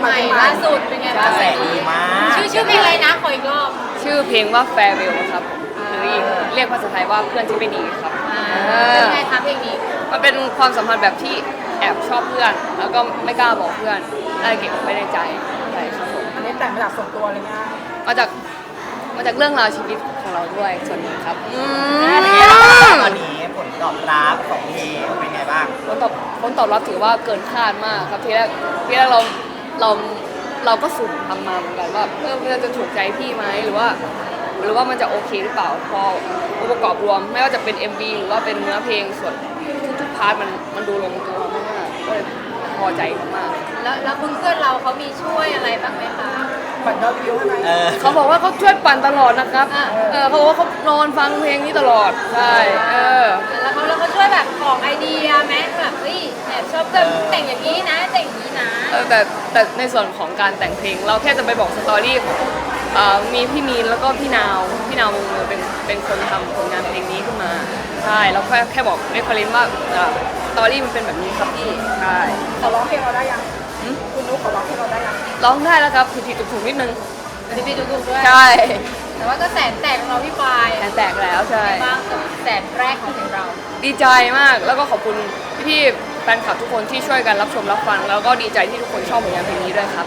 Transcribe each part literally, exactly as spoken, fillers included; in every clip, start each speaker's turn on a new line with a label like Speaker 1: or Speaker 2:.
Speaker 1: ใหม่ล่าสุดเป็นไงบ้าง
Speaker 2: แสดีมาก
Speaker 1: ชื่อชื่อเพลงอะไรนะขออีกรอบ
Speaker 3: ชื่อเพลงว่า Farewell ครับหรืออีกเรียกภาษาไทยว่าเพื่อนที่ไม่ดีครับ
Speaker 1: อ่า
Speaker 3: เอ
Speaker 1: เป็น
Speaker 3: อ
Speaker 1: ไงคะเพลงนี้
Speaker 3: มันเป็นความสัมพันธ์แบบที่แอบชอบเพื่อน แล้วก็ไม่กล้าบอกเพื่อนได้เก็บไว้ในใจใช่ครับผม
Speaker 4: อันนี้แต่งมาจากส่วนตัวเลยนะ
Speaker 3: มาจากมาจากเรื่องราวชีวิตของเราด้วยส่วนหนึ่งครับอืม
Speaker 2: ตอนนี้ผลตอบรับของเพลงเป็นไงบ้าง
Speaker 3: ผลตอบผลตอบรับถือว่าเกินคาดมากครับทีแรกทีแรกเราเราเราก็สุ่มทำมาเหมือนกันว่าเออมันจะถูกใจพี่ไหมหรือว่า หรือว่ามันจะโอเคหรือเปล่าพอองค์ประกอบรวมไม่ว่าจะเป็น เอ็ม วี หรือว่าเป็นเนื้อเพลงส่วนทุกๆพาร์ทมันมันดูลงตัวมากๆก็เลยพอใจมาก
Speaker 1: แล้วแล้วเพื่อนๆเราเขามีช่วยอะไรบ้างไหมคะ
Speaker 4: บัตรยอดวิวให้ไหม
Speaker 2: เออ
Speaker 3: ๆเขาบอกว่าเขาช่วยปั่นตลอดนะครับเออเขาบอกว่าเขานอนฟังเพลงนี้ตลอดใช่เออ
Speaker 1: แล้วเขาแล้วเขาช่วยแบบของไอเดียไหมแบบเฮ้ยแอบชอบแบบแต่งอย่างนี้นะแต่งอย่างนี้นะ
Speaker 3: เออแต่แต่ในส่วนของการแต่งเพลงเราแค่จะไปบอกสตอรี่ของเอ่อมีพี่มีนแล้วก็พี่นาวพี่นาววงเมืองเป็นเป็นคนทำผลงานเพลงนี้ขึ้นมาใช่เราแค่แค่บอกเรฟเฟรนซ์ว่าเอ่อสตอรี่มันเป็นแบบนี้ครับพี่ใช่
Speaker 4: ขอร้องเพลงเราได้ยัง
Speaker 3: หืม
Speaker 4: คุณนุ๊กขอร้องเพลงเราได้ยัง
Speaker 3: ร้องได้แล้วครับผิดๆถูกๆนิดนึง
Speaker 1: พี่พี่ดูๆด้วย
Speaker 3: ใช่
Speaker 1: แต่ว่าก็แสนแตกของเราพี่ปาย
Speaker 3: แตกแล้วใช่
Speaker 1: บ้างกับแสนแรกของเพลงเรา
Speaker 3: ดีใจมากแล้วก็ขอบคุณพี่ๆแฟนคลับทุกคนที่ช่วยกันรับชมรับฟัง แล้วก็ดีใจที่ทุกคนชอบผลงานเพลงนี้ด้วยครับ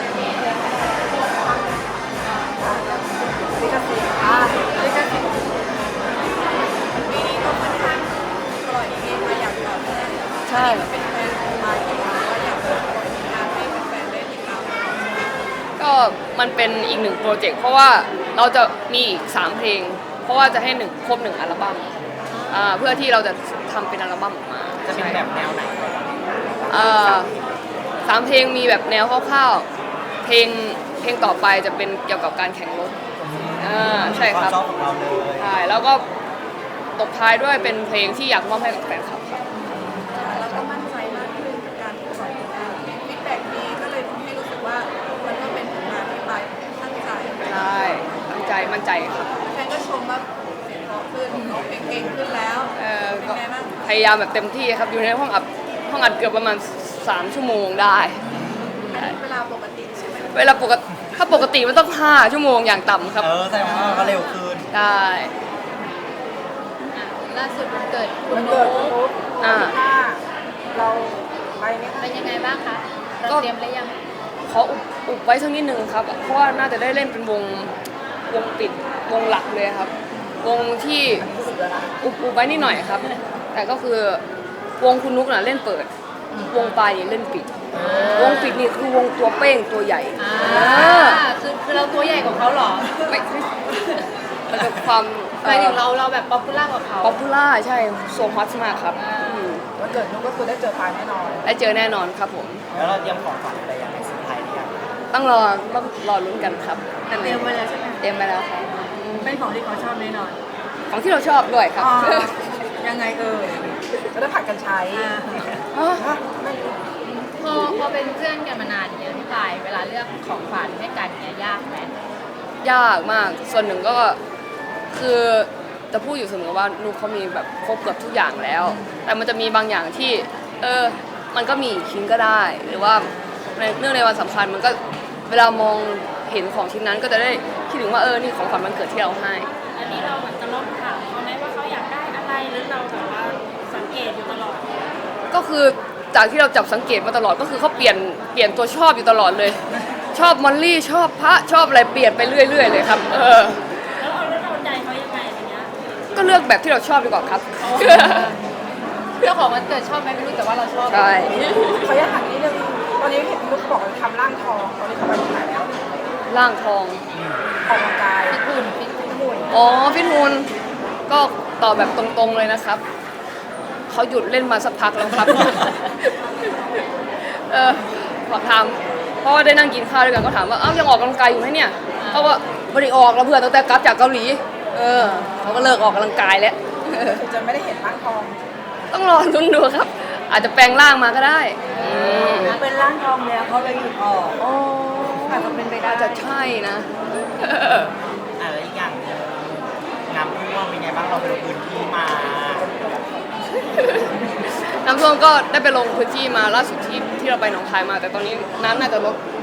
Speaker 4: ลิขสิทธิ์อ่าลิขสิทธิ์
Speaker 3: ใช่ ก็มันเป็นอีกหนึ่งโปรเจกต์เพราะว่าเราจะมีอีกสามเพลง เพราะว่าจะให้หนึ่งครบหนึ่งอัลบั้มอ่าเพื่อที่เราจะทำเป็นอัลบั้มออกมา
Speaker 2: จะเป็นแบบแนวไหน
Speaker 3: อ่าสามเพลงมีแบบแนวคร่าวๆเพลงเพลงต่อไปจะเป็นเกี่ยวกับการแข่งรถอ่าใช่ครับ
Speaker 2: วามชอบของเราเลย
Speaker 3: ใช่แล้วก็ตบท้ายด้วยเป็นเพลงที่อยากมอบให้กับแฟนคลับครับ
Speaker 4: แล้วก็มั่นใจมากขึ้นกับการปล่อยผลงานฟีดแบ็กดีก็เลยทำให้รู้สึกว่ามันก็เป็นผลงานที่ไปตั้งใจ
Speaker 3: ใช่ตั้งใจมั่นใจครับ
Speaker 4: แฟนก็ชมว่าเสียงเพราะขึ้นร้องเพลงเก่งขึ้นแล้ว
Speaker 3: เออ
Speaker 4: เป็น
Speaker 3: ก็
Speaker 4: ไงบ้าง
Speaker 3: พยายามแบบเต็มที่ครับอยู่ในห้องอัดห้องอัดเกือบประมาณสามชั่วโมงได้
Speaker 4: เวลาปกติใช่ไหม
Speaker 3: เวลาปกติถ้าปกติมันต้องห้าชั่วโมงอย่างต่ำครับ
Speaker 2: เออแสดงว่าก็เร็วขึ้น
Speaker 3: ได้
Speaker 1: อ่ะล่าสุดวันเกิดคุ
Speaker 4: วั
Speaker 1: ณ
Speaker 4: น
Speaker 1: โน้
Speaker 4: เกิดคุณนุ๊ก
Speaker 3: อ่า
Speaker 4: ถ้าเราไปไหมคะ
Speaker 1: เป็นยังไงบ้างคะเรา
Speaker 3: ก็
Speaker 1: เตรียมหรือยัง
Speaker 3: ขออุบอุบไว้สักนิดนึงครับเพราะว่าน่าจะได้เล่นเป็นวงวงปิดวงหลักเลยครับ วงที่อุบอุบไว้นิดหน่อยครับ แต่ก็คือวงคุณนุกน่ะเล่นเปิด วงปลายนี่เล่นปิด วงปิดนี่คือวงตัวเป้งตัวใหญ่
Speaker 1: อ่า
Speaker 3: อ่า
Speaker 1: คือคือเราตัวใหญ่กว่าเขาเหรอ
Speaker 3: ไม่ไม่มันเป็นความ
Speaker 1: หมายถึงเราเราแบบป๊อปปูล่ากว่าเขา
Speaker 3: ป๊อปปูล่าใช่โซฮอตมากครับอืม
Speaker 4: วันเกิดนุ๊กก็คือได้เจอปายแน่นอน
Speaker 3: ได้เจอแน่นอนครับผม
Speaker 2: แล้วเราเตรียมของขวัญอะไรยังไงสุดท้ายเนี่ย
Speaker 3: ต้องรอต้องรอลุ้นกันครับ
Speaker 4: แต่เตรียมไว้แล้วใช่ไหม
Speaker 3: เตรียมไปแล้วครับ
Speaker 4: เป็นของที่เขาชอบแน่นอน
Speaker 3: ของที่เราชอบด้วยครับ
Speaker 4: ยังไงเออจะได้ผัดกันใช้
Speaker 3: อ๋อ
Speaker 4: ฮะไม่รู้
Speaker 1: พอพอเป็นเพื่อนกันมานานอย่างเงี้ยพี่ปายเวลาเลือกของขวัญให้กันเนี่ยยากไหม
Speaker 3: ยากมาก ส่วนหนึ่งก็คือจะพูดอยู่เสมอว่านุกเขามีแบบครบเกือบทุกอย่างแล้ว แต่มันจะมีบางอย่างที่ เออ มันก็มีอีกชิ้นก็ได้ หรือว่าในเนื่องในวันสำคัญมันก็เวลามองเห็นของชิ้นนั้นก็จะได้คิดถึงว่าเออ นี่ของขวัญวันเกิดที่เราให้
Speaker 5: อันนี้เราเหมือนจะลองถามเขาไหมว่าเขาอยากได้อะไรหรือเราแบบว่าสังเกตอยู่ตลอด
Speaker 3: ก็คือจากที่เราจับสังเกตมาตลอดก็คือเขาเปลี่ยนเปลี่ยนตัวชอบอยู่ตลอดเลย ชอบมอลลี่ชอบพระชอบอะไรเปลี่ยนไปเรื่อยๆเลยครับเออ
Speaker 5: แล้วเอาแล้วเราใจเขายังไงอะไรเงี้ย
Speaker 3: ก็เลือกแบบที่เราชอบดีกว่าครับ
Speaker 1: เจ้าของวันเกิดชอบไหมไม่รู้แต่ว่าเราชอบ
Speaker 3: ใช่
Speaker 4: เขาอยากถามนิดนึงตอนนี้เห็นนุ๊กบอกว่าทำร่างทองตอนนี้เขาไปที่ไหนแล้ว
Speaker 3: ร่างทอง
Speaker 4: ออกกำลังกาย
Speaker 1: ฟิตหุ่นฟิตหุ่น
Speaker 4: หุ่น
Speaker 3: อ๋อพี่ทูนก็ตอบแบบตรงๆเลยนะครับเขาหยุดเล่นมาสักพักแล้วครับ เออขอถามเพราะว่าได้นั่งกินข้าวด้วยกันก็ถามว่าเอ้ายังออกกำลังกายอยู่ไหมเนี่ยเขาว่าไม่ได้ออกแล้วเพื่อนตั้งแต่กลับจากเกาหลีเออเขาก็เลิกออกกำลังกายแล้ว
Speaker 4: คือจะไม่ได้เห็นร่างทอง
Speaker 3: ต้องรอลุ้นดูครับ อาจจะแปลงร่างมาก็ได้อืม
Speaker 4: เป็นร่างทองแล้วเขาเลยหยุดออก
Speaker 3: อ๋อ
Speaker 4: อาจจะเป็นไปได้
Speaker 3: อาจจะใช่นะ
Speaker 2: อ่ะแล้วอีกอย่างหนึ่งน้ำท่วมเป็นไงบ้างเราไปลงพื้นที่มา
Speaker 3: น้ำท่วมก็ได้ไปลงพื้นที่มาล่าสุดที่ที่เราไปหนองคายมา แต่ตอนนี้น้ำน่าจะลดหมด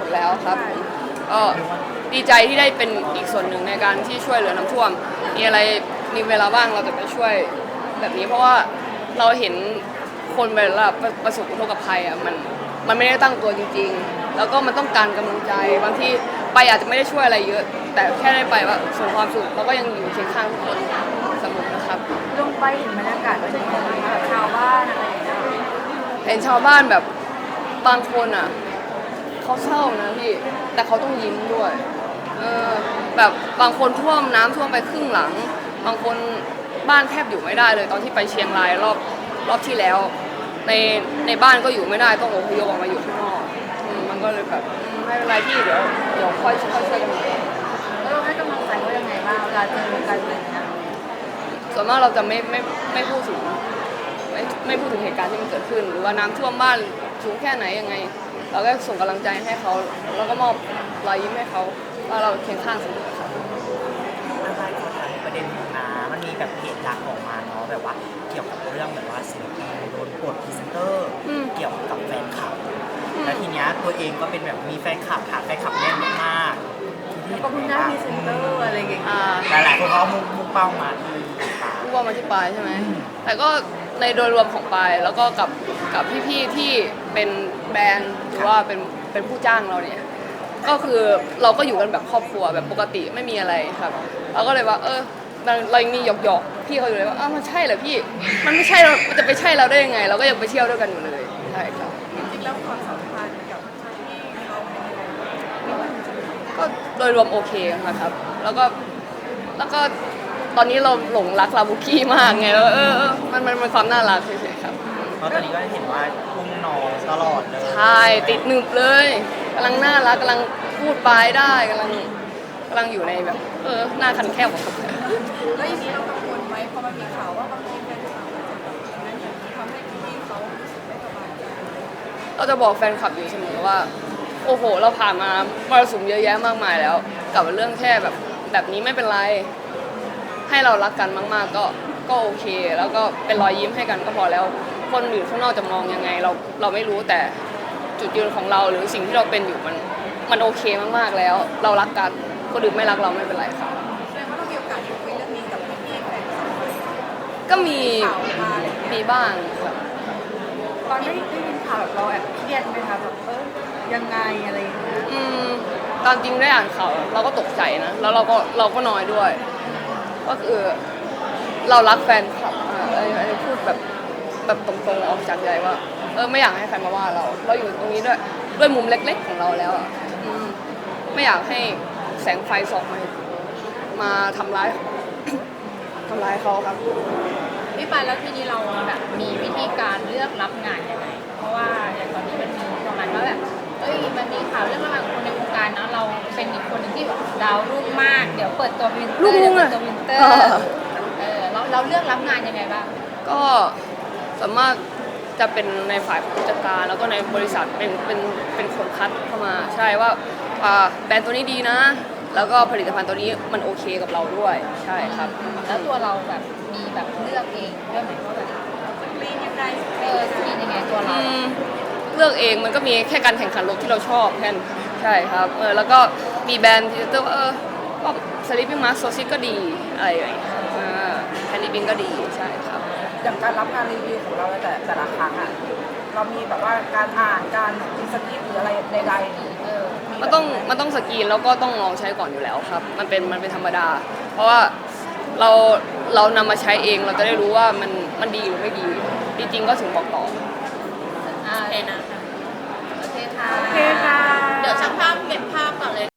Speaker 3: อยู่แล้วครับก็ดีใจที่ได้เป็นอีกส่วนหนึ่งในการที่ช่วยเหลือน้ำท่วมมีอะไรมีเวลาว่างเราจะไปช่วยแบบนี้เพราะว่าเราเห็นคนเวลาประสบอุทกภัยอ่ะมันมันไม่ได้ตั้งตัวจริงๆแล้วก็มันต้องการกำลังใจบางที่ไปอาจจะไม่ได้ช่วยอะไรเยอะ แต่แค่ได้ไปว่าส่งความสุขเราก็ยังอยู่เคียงข้างทุกคนเสมอนะครับ
Speaker 4: ลงไปเห็นบรรยากาศเป็นยังไงบ้างคะแบบชาวบ้านอะไรอย่างเงี้ย
Speaker 3: เห็นชาวบ้านแบบบางคนอ่ะเขาเศร้านะพี่แต่เขาต้องยิ้มด้วยเออแบบบางคนท่วมน้ำท่วมไปครึ่งหลัง บางคนบ้านแทบอยู่ไม่ได้เลยตอนที่ไปเชียงรายรอบรอบที่แล้ว ในในบ้านก็อยู่ไม่ได้ต้องอพยพออกมาอยู่ข้างนอกอืมมันก็เลยแบบอืมไม่เป็นไรพี่เดี๋ยวเดี๋ยวค่อยค่อยช่วยกันใหม่
Speaker 4: แล้วเราให้กำลังใจเขายังไงบ้างเวลาเจอกันอะไรอย่างเงี้ย
Speaker 3: ส่วนมากเราจะไม่ไม่ไม่พูดถึงไม่ไม่พูดถึงเหตุการณ์ที่มันเกิดขึ้น หรือว่าน้ำท่วมบ้านสูงแค่ไหนยังไง เราก็ส่งกำลังใจให้เขาแล้วก็มอบรอยยิ้มให้เขาว่าเราเคียงข้างเสมอครับ
Speaker 2: อะไรขอถามประเด็นหนึงนะมันมีแบบเพจดังออกมาเนาะแบบว่าเกี่ยวกับเรื่องแบบว่าศิลปินโดนปลดพรีเซนเตอร์
Speaker 3: อืม
Speaker 2: เกี่ยวกับแฟนคลับ
Speaker 3: อืม
Speaker 2: แล้วทีเนี้ยตัวเองก็เป็นแบบมีแฟนคลับฐานแฟนคลับแน่นมากๆที่
Speaker 4: ก็เพิ่งได้พรีเซนเตอร์อะไรอย่างเงี้ย
Speaker 3: อ่า
Speaker 2: หลายๆคนเขามุ่งมุ่งเป้ามาที่ปา
Speaker 3: พูดว่ามาที่ปลายใช่ไหม แต่ก็ในโดยรวมของปลายแล้วก็กับกับพี่ๆที่เป็นแบรนด์หรือว่าเป็นเป็นผู้จ้างเราเนี่ย ก็คือเราก็อยู่กันแบบครอบครัวแบบปกติไม่มีอะไรครับ เราก็เลยว่า เออเราเรายังมีหยอกหยอกๆพี่เขาอยู่เลยว่าอ้าวมันใช่เหรอพี่ มันไม่ใช่เรามันจะไปใช่เราได้ยังไง เราก็ยังไปเที่ยวด้วยกันอยู่เลยใช่ครับ
Speaker 4: จริงๆแล้วความสัมพันธ์กับที่เขาเป็นยังไง
Speaker 3: ก็โดยรวมโอเคนะครับ แล้วก็แล้วก็ตอนนี้เราหลงรักลาบุกี้มากไงแล้วเออเออมันมันเป็นความน่ารักเฉยๆครับ
Speaker 2: เพราะตอนนี้ก็เห็นว่าพุ่งน้องตลอดเลย
Speaker 3: ใช่ติดหนึบเลยกำลังน่ารักกำลังพูดปลายได้กำลังกำลังอยู่ในแบบ เออหน้าคันแคบของเขา
Speaker 4: แล้วอย่างนี้เรากังวลไหมเพราะมันมีข่าวว่าบางทีแฟนคลับอาจจะแบบอย่างนั้นอย่างนี้ทำให้พี่ๆเขารู้สึกไม่สบายใจ
Speaker 3: เราจะบอกแฟนคลับอยู่เสมอว่า โอ้โห เราผ่านมามรสุมเยอะแยะมากมายแล้ว กับเรื่องแค่แบบแบบนี้ไม่เป็นไร ให้เรารักกันมาก ๆ ก็ก็โอเค แล้วก็เป็นรอยยิ้มให้กันก็พอแล้ว คนอื่นข้างนอกจะมองยังไง เราเราไม่รู้แต่จุดยืนของเราหรือสิ่งที่เราเป็นอยู่มันมันโอเคมากๆแล้ว เรารักกันคนอื่นไม่รักเราไม่เป็นไรค่ะ
Speaker 4: แสดงว่าเรามีโอกาสได้คุยเรื่องนี้กับพี่ๆแฟนคลับไหม
Speaker 3: ก็มี
Speaker 4: ข่าวมาอะไรอย่างเงี้ย
Speaker 3: มีบ้างครับ
Speaker 4: ตอนได้ได้ยินข่าวแบบเราแอบเครียดไหมคะแบบเออยังไงอะไรอย่างเงี้ย
Speaker 3: อืมตอนจริงได้อ่านข่าวเราก็ตกใจนะแล้วเราก็เราก็น้อยด้วย ก็คือเรารักแฟนคลับอ่ะอันนี้อันนี้พูดแบบแบบตรงๆออกจากใจว่าเออไม่อยากให้ใครมาว่าเรา เราอยู่ตรงนี้ด้วยด้วยมุมเล็กๆของเราแล้วอ่ะอืมไม่อยากให้แสงไฟส่องมามาทำร้าย ทำร้ายเขาครับ
Speaker 1: พี่ปานแล้วทีนี้เราแบบมีวิธีการเลือกรับงานยังไง เพราะว่าอย่างตอนนี้มันมีประมาณว่าแบบเอ้ยมันมีข่าวเรื่องระหว่างคนในวงการเนาะเราเป็นอีกคนหนึ่งที่แบบดาวรุ่งมาก เดี๋ยวเปิดตัววินเตอร์
Speaker 3: ลูก
Speaker 1: เดี๋ยว
Speaker 3: อะ
Speaker 1: เปิดตัววินเตอร์
Speaker 3: เออ
Speaker 1: เออเราเราเลือกรับงานยังไงบ้าง
Speaker 3: ก็สามารถจะเป็นในฝ่ายผู้จัดการแล้วก็ในบริษัทเป็นเป็นเป็นคนคัดเข้ามาใช่ว่าอ่าแบรนด์ตัวนี้ดีนะ แล้วก็ผลิตภัณฑ์ตัวนี้มันโอเคกับเราด้วยใช่ครับ
Speaker 1: แล้วตัวเราแบบมีแบบเลือกเองด้วยไหมว่าแบบ
Speaker 4: ลีนยังไง
Speaker 1: เออสกรีนยังไงตัวเรา
Speaker 3: อืมเลือกเองมันก็มีแค่การแข่งขันรถที่เราชอบแค่นั้นใช่ครับเออแล้วก็มีแบรนด์ที่ว่าเออก็สลิปปิ้งมาร์คโซซิก็ดีอะไรอย่างเงี้ยอ่าแฮนดี้บิงก็ดีใช่ครับ
Speaker 4: อย่างการรับงานรีวิวของเราแต่แต่ละครั้งอ่ะเรามีแบบว่าการอ่านการมีสคริปต์หรืออะไรใดๆเออ
Speaker 3: มันต้องมันต้องสกรีนแล้วก็ต้องลองใช้ก่อนอยู่แล้วครับ มันเป็นมันเป็นธรรมดา เพราะว่าเราเรานำมาใช้เองเราจะได้รู้ว่ามันมันดีหรือไม่ดีดีจริงก็ถึงบอกต่อ
Speaker 1: อ่า
Speaker 5: โอเคนะ
Speaker 1: โอเคค่ะ
Speaker 4: โอเคค่ะ
Speaker 5: เดี๋ยวช่างภาพเก็บภาพก่อนเลย